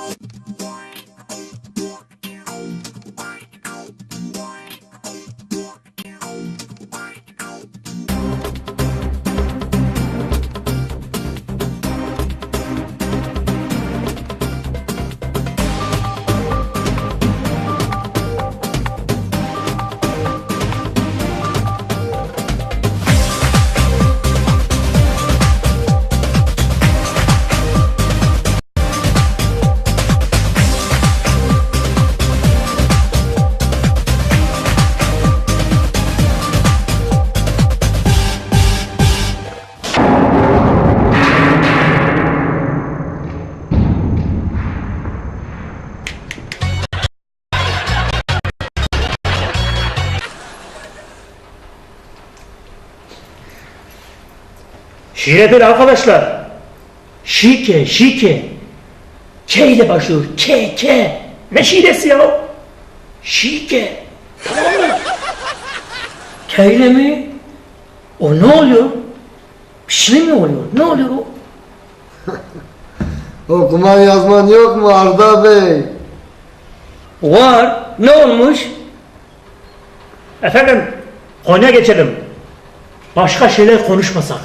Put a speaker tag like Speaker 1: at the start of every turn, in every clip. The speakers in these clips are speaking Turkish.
Speaker 1: Şiire değil arkadaşlar. Şike, şike. K ile başlıyor. K. Ne şiiresi ya? Şike. Tamam mı? K ile mi? O ne oluyor? Bir şey mi oluyor? Ne oluyor o?
Speaker 2: Okuman yazman yok mu Arda Bey?
Speaker 1: Var. Ne olmuş? Efendim, konuya geçelim. Başka şeyler konuşmasak.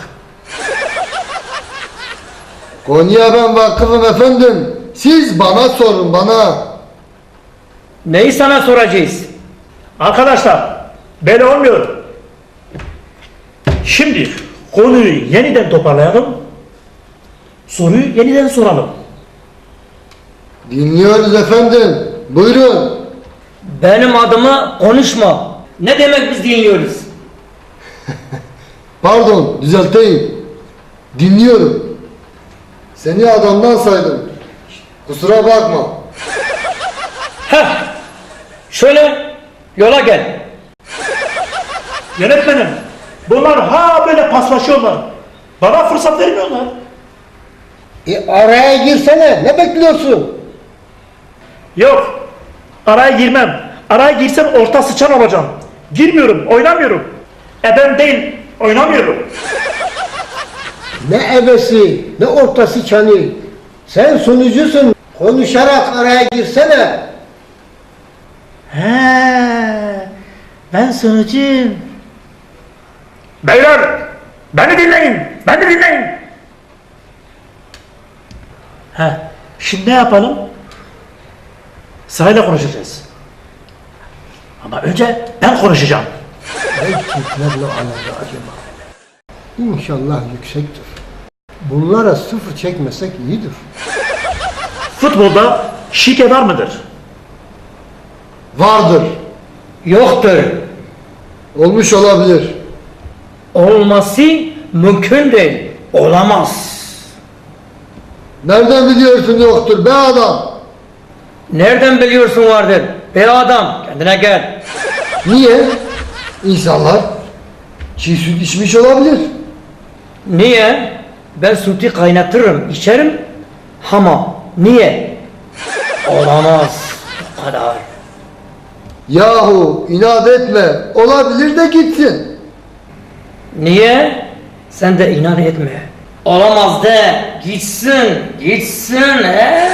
Speaker 2: Konuya ben vakıfım efendim. Siz bana sorun bana.
Speaker 1: Neyi sana soracağız? Arkadaşlar, böyle olmuyor. Şimdi konuyu yeniden toparlayalım. Soruyu yeniden soralım.
Speaker 2: Dinliyoruz efendim. Buyurun.
Speaker 1: Benim adıma konuşma. Ne demek biz dinliyoruz?
Speaker 2: Pardon, düzelteyim. Dinliyorum. Seni adamdan saydım. Kusura bakma.
Speaker 1: Heh, şöyle yola gel. Yönetmenim, bunlar böyle paslaşıyorlar. Bana fırsat vermiyorlar.
Speaker 2: Araya girsene. Ne bekliyorsun?
Speaker 1: Yok, araya girmem. Araya girsem orta sıçan olacağım. Girmiyorum, oynamıyorum. Ben değil, oynamıyorum.
Speaker 3: Ne ebesi, ne ortası çanı. Sen sunucusun. Konuşarak araya girsene.
Speaker 1: Ben sunucuyum. Beyler, beni dinleyin. Şimdi ne yapalım? Sırayla konuşacağız. Ama önce ben konuşacağım.
Speaker 3: Erkeklerle alakalı acaba. İnşallah yüksektir. Bunlara sıfır çekmesek iyidir.
Speaker 1: Futbolda şike var mıdır?
Speaker 2: Vardır.
Speaker 1: Yoktur.
Speaker 2: Olmuş olabilir.
Speaker 1: Olması mümkün değil. Olamaz.
Speaker 2: Nereden biliyorsun yoktur be adam?
Speaker 1: Nereden biliyorsun vardır? Be adam, kendine gel.
Speaker 2: Niye? İnsanlar çiğ süt içmiş olabilir.
Speaker 1: Niye? Ben sütü kaynatırım, içerim. Ama niye? Olamaz. O kadar.
Speaker 2: Yahu inat etme. Olabilir de gitsin.
Speaker 1: Niye? Sen de inan etme. Olamaz de. Gitsin.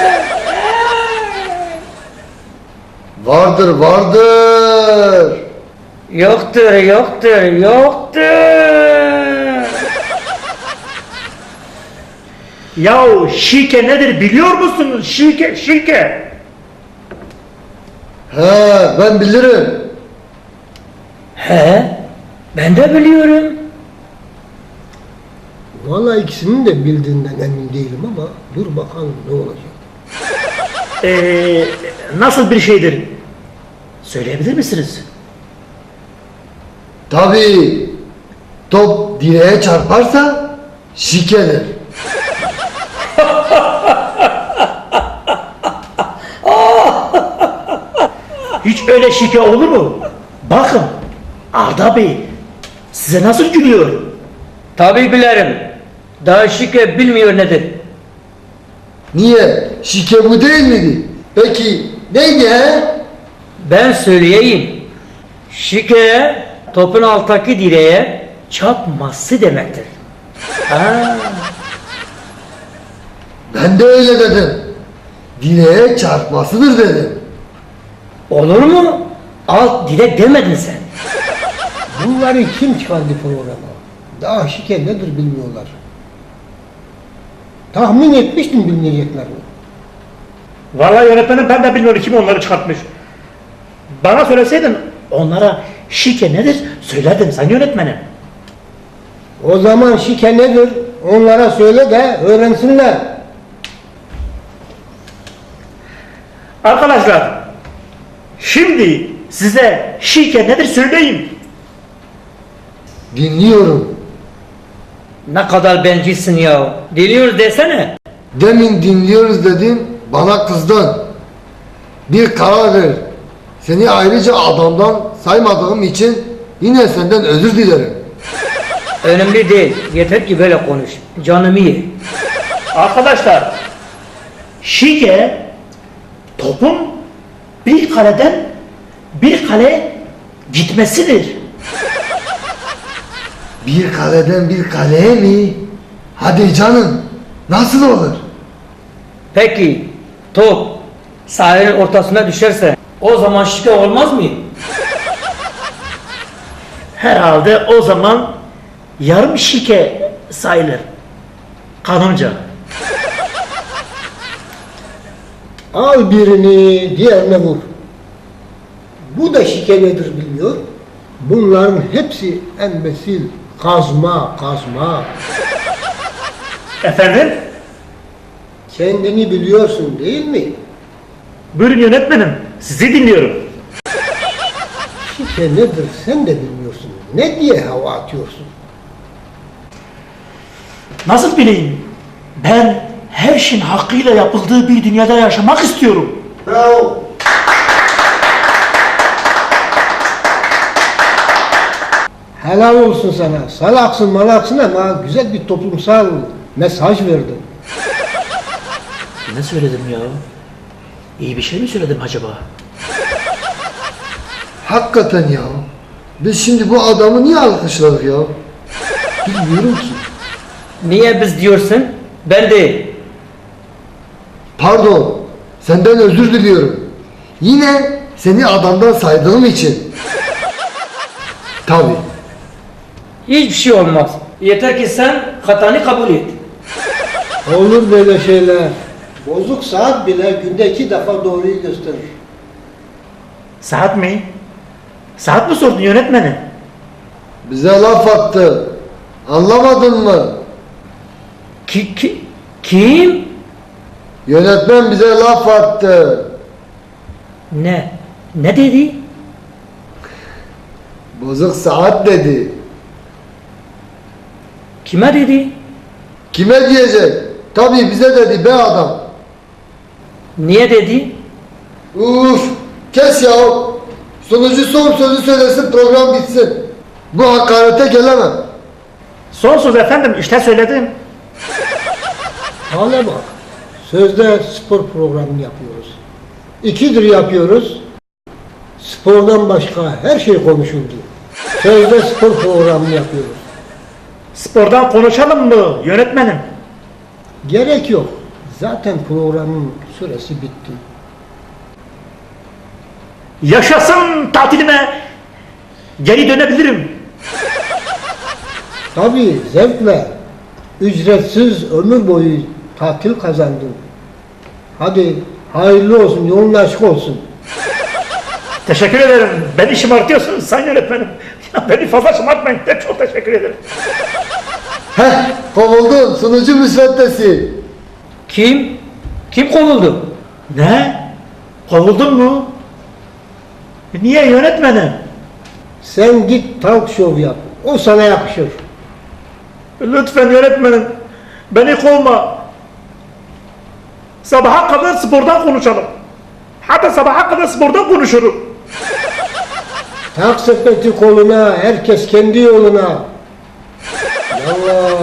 Speaker 2: Vardır.
Speaker 1: Yoktur. Yahu şike nedir biliyor musunuz? Şike.
Speaker 2: He, ben bilirim.
Speaker 1: Ben de biliyorum.
Speaker 3: Vallahi ikisinin de bildiğinden emin değilim ama dur bakalım ne olacak.
Speaker 1: Nasıl bir şeydir? Söyleyebilir misiniz?
Speaker 2: Tabii. Top direğe çarparsa şikedir.
Speaker 1: Hiç öyle şike olur mu? Bakın Arda Bey size nasıl gülüyor? Tabii bilirim. Daha şike bilmiyor nedir?
Speaker 2: Niye? Şike bu değil miydi? Peki neydi he?
Speaker 1: Ben söyleyeyim. Şike topun alttaki direğe çarpması demektir.
Speaker 2: Ben de öyle dedim. dileğe çarpmasıdır dedim.
Speaker 1: Olur mu? Alt dilek demedin sen.
Speaker 3: Bunları kim çıkardı programa? Daha şike nedir bilmiyorlar. Tahmin etmiştim bilmeyeceklerini.
Speaker 1: Vallahi yönetmenim ben de bilmiyorum kim onları çıkartmış. Bana söyleseydin onlara şike nedir söylerdim sen yönetmenim.
Speaker 3: O zaman şike nedir? Onlara söyle de öğrensinler.
Speaker 1: Arkadaşlar şimdi size şike nedir söyleyeyim.
Speaker 2: Dinliyorum.
Speaker 1: Ne kadar bencilsin ya. Diliyoruz desene.
Speaker 2: Demin dinliyoruz dedin, bana kızdın. Bir karar ver. Seni ayrıca adamdan saymadığım için yine senden özür dilerim.
Speaker 1: Önemli değil. Yeter ki böyle konuş. Canımı ye. Arkadaşlar şike topun bir kaleden bir kale gitmesidir.
Speaker 2: Bir kaleden bir kaleye mi? Hadi canım, nasıl olur?
Speaker 1: Peki top sahanın ortasına düşerse o zaman şike olmaz mı? Herhalde o zaman yarım şike sayılır. Kanımca.
Speaker 3: Al birini diğerine vur. Bu da şike nedir bilmiyor. Bunların hepsi embesil, kazma.
Speaker 1: Efendim?
Speaker 3: Kendini biliyorsun değil mi?
Speaker 1: Buyurun yönetmenim. Sizi dinliyorum.
Speaker 3: Şike nedir sen de bilmiyorsun. Ne diye hava atıyorsun?
Speaker 1: Nasıl bileyim? Ben her şeyin hakkıyla yapıldığı bir dünyada yaşamak istiyorum.
Speaker 3: Bravo. Helal olsun sana. Salaksın malaksın ama güzel bir toplumsal mesaj verdin.
Speaker 1: Ne söyledim ya? İyi bir şey mi söyledim acaba?
Speaker 2: Hakikaten ya. Biz şimdi bu adamı niye alkışladık ya?
Speaker 3: Bilmiyorum ki.
Speaker 1: Niye biz diyorsun? Ben de.
Speaker 2: Pardon, senden özür diliyorum. Yine seni adamdan saydığım için. Tabii.
Speaker 1: Hiçbir şey olmaz. Yeter ki sen hatanı kabul et.
Speaker 3: Olur böyle şeyler. Bozuk saat bile günde 2 defa doğruyu gösterir.
Speaker 1: Saat mi? Saat mi sordun yönetmenim?
Speaker 2: Bize laf attı. Anlamadın mı?
Speaker 1: Kim?
Speaker 2: Yönetmen bize laf attı.
Speaker 1: Ne? Ne dedi?
Speaker 2: Bozuk saat dedi.
Speaker 1: Kime dedi?
Speaker 2: Kime diyecek? Tabii bize dedi be adam.
Speaker 1: Niye dedi?
Speaker 2: Uf, kes ya. Sunucu son sözü söylesin, program bitsin. Bu hakarete gelemem.
Speaker 1: Son söz efendim işte söyledim.
Speaker 3: Hale bak. Sözde spor programı yapıyoruz. 2'dir yapıyoruz. Spordan başka her şey konuşuldu. Sözde spor programı yapıyoruz.
Speaker 1: Spordan konuşalım mı yönetmenim?
Speaker 3: Gerek yok. Zaten programın süresi bitti.
Speaker 1: Yaşasın tatilime. Geri dönebilirim.
Speaker 3: Tabii zevkle. Ücretsiz ömür boyu tatil kazandın. Hadi hayırlı olsun, yolun açık olsun.
Speaker 1: Teşekkür ederim. Beni şımartıyorsunuz sayın yönetmenim. Ya beni fazla şımartmayın. De çok teşekkür ederim.
Speaker 2: Heh, kovuldun sunucu müsveddesi.
Speaker 1: Kim? Kim kovuldu? Ne? Kovuldun mu? Niye yönetmenim?
Speaker 3: Sen git talk show yap. O sana yakışır.
Speaker 1: Lütfen yönetmenim. Beni kovma. Sabaha kadar spordan konuşalım. Hatta sabaha kadar spordan konuşurum.
Speaker 3: Tak sepeti koluna, herkes kendi yoluna. Yallah.